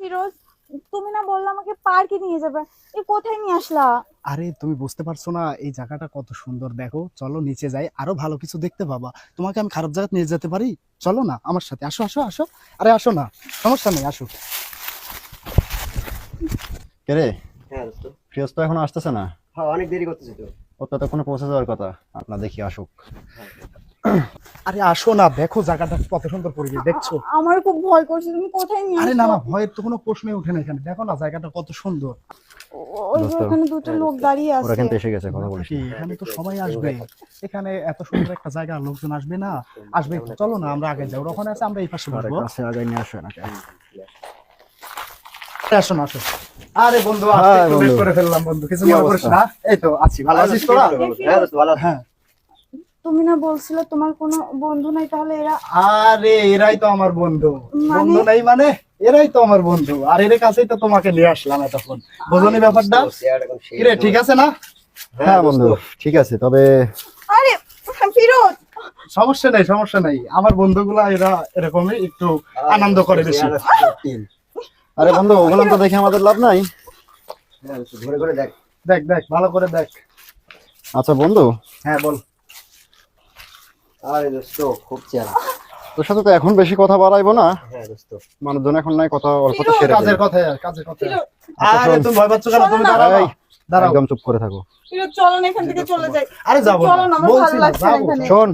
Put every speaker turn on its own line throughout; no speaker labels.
ফিরোজ, তুমি না বললে আমাকে পার্কে নিয়ে যাবে, কোথায় নিয়ে আসলা?
আরে তুমি বুঝতে পারছো না এই জায়গাটা কত সুন্দর, দেখো চলো নিচে যাই, আরো ভালো কিছু দেখতে পাবা। তোমাকে আমি খারাপ জায়গায় নিয়ে যেতে পারি? চলো না আমার সাথে, আসো আসো আসো। আরে আসো না, সমস্যা নেই, আসো।
কে রে?
হ্যাঁ দোস্ত।
ফিরোজ তো এখন আসতেছে না।
হ্যাঁ, অনেক দেরি করতেছি তো।
ও তো ততক্ষণে পৌঁছে যাওয়ার কথা। আপনার দেখি আসুক।
আরে আসো না, দেখো জায়গাটা কত সুন্দর পরিবেশ, দেখছো?
আমার খুব ভয় করছে, তুমি কোথায় নিয়ে
আরে না
আসছো?
না, ভয়ের তো কোনো প্রশ্নই ওঠে না এখানে, দেখো না জায়গাটা কত সুন্দর।
ওই যে
দোস্ত,
ওখানে দুটো লোক দাঁড়িয়ে
ওরা
আছে।
কিন্তু এসে গেছে, কথা বলিস
কি,
না।
এখানে তো সবাই আসবে, এখানে এত সুন্দর একটা জায়গা, লোকজন আসবে না? আসবে তো, চলো না আমরা আগে যাই, ওরা ওখানে আছে, আমরা এই পাশে
আরে
বসবো।
কাছে আগাই নিয়ে আসো নাকি?
আসো না, আসো। আরে বন্ধু,
হ্যাঁ,
আজকে একটু
বন্ধু।
late করে ফেললাম বন্ধু, কিছু
কি
মনে করিস
অবস্থা?
না। এই তো আছি, ভালো আছিস তোরা?
হ্যাঁ দোস্ত, ভালো আছি।
হ্যাঁ।
তুমি না বলছিলে তোমার কোনো বন্ধু নাই, তাহলে এরা?
আরে এরাই তো আমার বন্ধু।
মানে?
বন্ধু নাই মানে এরাই তো আমার বন্ধু, আর এর কাছেই তো তোমাকে নিয়ে আসলাম এতক্ষণ, বোঝনি ব্যাপারটা? কিরে, ঠিক আছে না?
হ্যাঁ বন্ধু, ঠিক আছে, তবে
আরে ফিরোজ,
সমস্যা নেই, সমস্যা নেই, আমার বন্ধুগুলা এরা এরকমই একটু আনন্দ করে বেশি।
আরে বন্ধু, ওগুলো তো দেখে আমাদের লাভ নাই।
হ্যাঁ দোস্ত, ঘুরে ঘুরে দেখ।
দেখ দেখ, ভালো করে দেখ।
আচ্ছা বন্ধু,
হ্যাঁ বল।
আরে দোস্ত, খুব চেয়ারা।
তোর সাথে তো এখন বেশি কথা বাড়াইবো না,
হ্যাঁ দোস্ত।
মানুষজন এখন নাই, কথা অল্প তো
ফিরোজ,
সেরে
কাজের
ফেলি।
কথা, কাজের কথা।
ফিরোজ,
আচ্ছা,
আরে
শোন।
তুমি ভয় পাচ্ছ কেন?
শোনো
তুমি
না।
দাঁড়াও,
এই,
দাঁড়াও।
একদম চুপ করে থাকো।
ফিরোজ চলো না, এখান থেকে চলে যাই।
আরে যাবো
চলো না,
না,
আমার
বলছি
ভালো
না,
লাগছে না
যাবো।
এখানে।
শোন,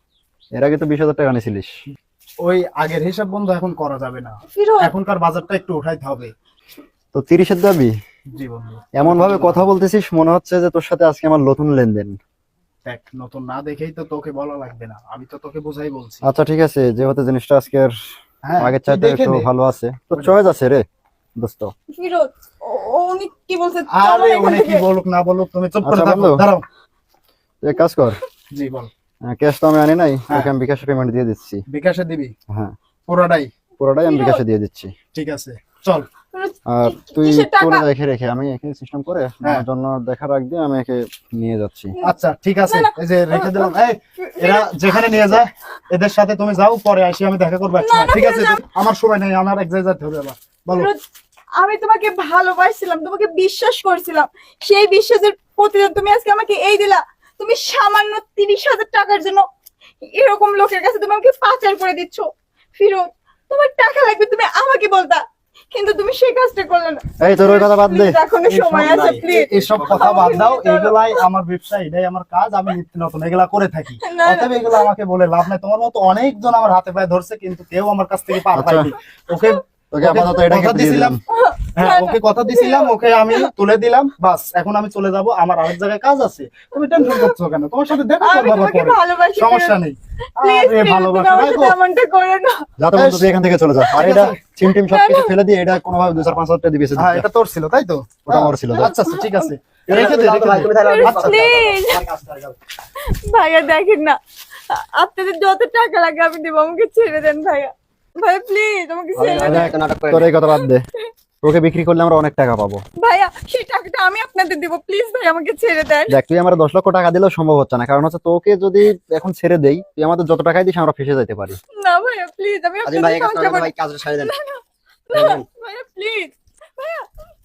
এর আগে তো 20,000 টাকা নিয়েছিলিস।
ওই আগের হিসাব বন্ধু এখন করা যাবে না,
ফিরোজ,
এখনকার বাজারটা একটু উঠাইতে হবে।
তো 30-এর দাবি?
জি বন্ধু।
এমন ভাবে কথা বলতেছিস মনে হচ্ছে যে তোর সাথে আজকে আমার নতুন লেনদেন।
দেখ, নতুন না দেখেই তো তোকে বলা লাগবে না, আমি তো তোকে বোঝাই বলছি।
আচ্ছা ঠিক আছে, যেহেতু জিনিসটা আজকের
হ্যাঁ,
আগের
তুই
চাইতে
দেখে
একটু
নে।
ভালো আছে, তো চয়েস আছে রে দোস্ত।
ফিরোজ, উনি কি বলছে? চলো
আরে
না এখান
উনি কি
থেকে।
বলুক না বলুক, তুমি চুপ করে
আচ্ছা
থাকো,
বন্ধু।
দাঁড়াও।
তুই এক কাজ কর,
জি বল।
ক্যাশ তো আমি আনি নাই,
হ্যাঁ।
তোকে আমি বিকাশে পেমেন্ট দিয়ে দিচ্ছি।
বিকাশে দিবি?
হ্যাঁ,
পুরোটাই?
পুরোটাই আমি
ফিরোজ।
বিকাশে দিয়ে দিচ্ছি।
ঠিক আছে, চল।
ফিরোজ,
আর তুই
কিসের টাকা?
তোর দেখে রেখে, আমি এখানে সিস্টেম করে
হ্যাঁ।
আমার জন্য দেখা রাখ দিয়ে আমি একে নিয়ে যাচ্ছি।
আচ্ছা ঠিক আছে,
না, না।
এই যে রেখে দিলাম। এই, এরা যেখানে নিয়ে যায় এদের সাথে তুমি যাও, পরে আসি আমি দেখা করবো একসময়,
না,
ঠিক আছে?
ফিরোজ,
আমার সময় নেই, আমার এক জায়গায় যেতে হবে আবার। বলো।
ফিরোজ, আমি তোমাকে ভালোবাসছিলাম, তোমাকে বিশ্বাস করছিলাম, সেই বিশ্বাসের প্রতিদান তুমি আজকে আমাকে এই দিলা। তুমি সামান্য 30,000 টাকার জন্য এরকম লোকের কাছে তুমি আমাকে পাচার করে দিচ্ছ। ফিরোজ, তোমার টাকা লাগবে তুমি আমাকে বলতা, কিন্তু তুমি সেই কাজটা করলে না।
এই তোর ওই কথা বাদ দে।
Please, এখনো সময় আছে, প্লিজ।
এসব কথা বাদ দাও, এগুলাই আমার ব্যবসা, এটাই আমার কাজ, আমি নিত্য নতুন এগুলা করে থাকি।
না,
অতএব এগুলো আমাকে বলে লাভ নাই, তোমার মতো অনেকজন আমার হাতে পায়ে ধরছে কিন্তু কেউ আমার কাছ থেকে পার
আচ্ছা।
পাইনি। ওকে
তোকে আপাতত এটাকে
কথা
দিয়ে
দিছিলাম,
দিলাম।
হ্যাঁ ওকে কথা দিছিলাম, ওকে আমি তুলে দিলাম, বাস এখন আমি চলে যাব, আমার আরেক জায়গায় কাজ আছে। তুমি টেনশন করছো কেন? তোমার সাথে দেখা
আমি
করবো আবার
তোমাকে
পরে,
ভালোবাসি,
সমস্যা নেই।
প্লিজ,
আরে ভালোবাসা
আমার
রাখো।
সাথে এমনটা করো না।
যাতে বন্ধু তুই এখান থেকে চলে যা, আর এটা চিম টিম সবকিছু ফেলে দিয়ে এটা কোনোভাবে 2-4-5 হাজার টাকা দিবি।
হ্যাঁ এটা তোর ছিল তাই তো?
ওটা আমার ছিল।
আচ্ছা আচ্ছা ঠিক আছে, রেখে দে, রেখে দে।
তুমি তাহলে
আচ্ছা,
প্লিজ
আমার কাজটা আগে।
ভাইয়া, দেখেন না, আপনাদের যত টাকা লাগে আমি দেবো, আমাকে ছেড়ে দেন ভাইয়া। ভাইয়া প্লিজ আমাকে ছেড়ে দেন।
একটা নাটক করে
তোর এই কথা বাদ দে, ওকে বিক্রি করলে আমরা অনেক টাকা পাবো।
ভাইয়া সেই টাকাটা আমি আপনাদের দেবো, প্লিজ ভাই আমাকে ছেড়ে দেন।
দেখ, তুই আমার 10 লক্ষ টাকা দিলেও সম্ভব হচ্ছে না, কারণ হচ্ছে তোকে যদি এখন ছেড়ে দেই, তুই আমাদের যত টাকাই দিস আমরা ফেসে যেতে পারি।
না ভাইয়া প্লিজ, আমি
আজিম ভাই,
আপনাদের
এই কাজটা
সংসার
ভাই কাজটা সারিয়ে দেন।
ভাইয়া প্লিজ, ভাইয়া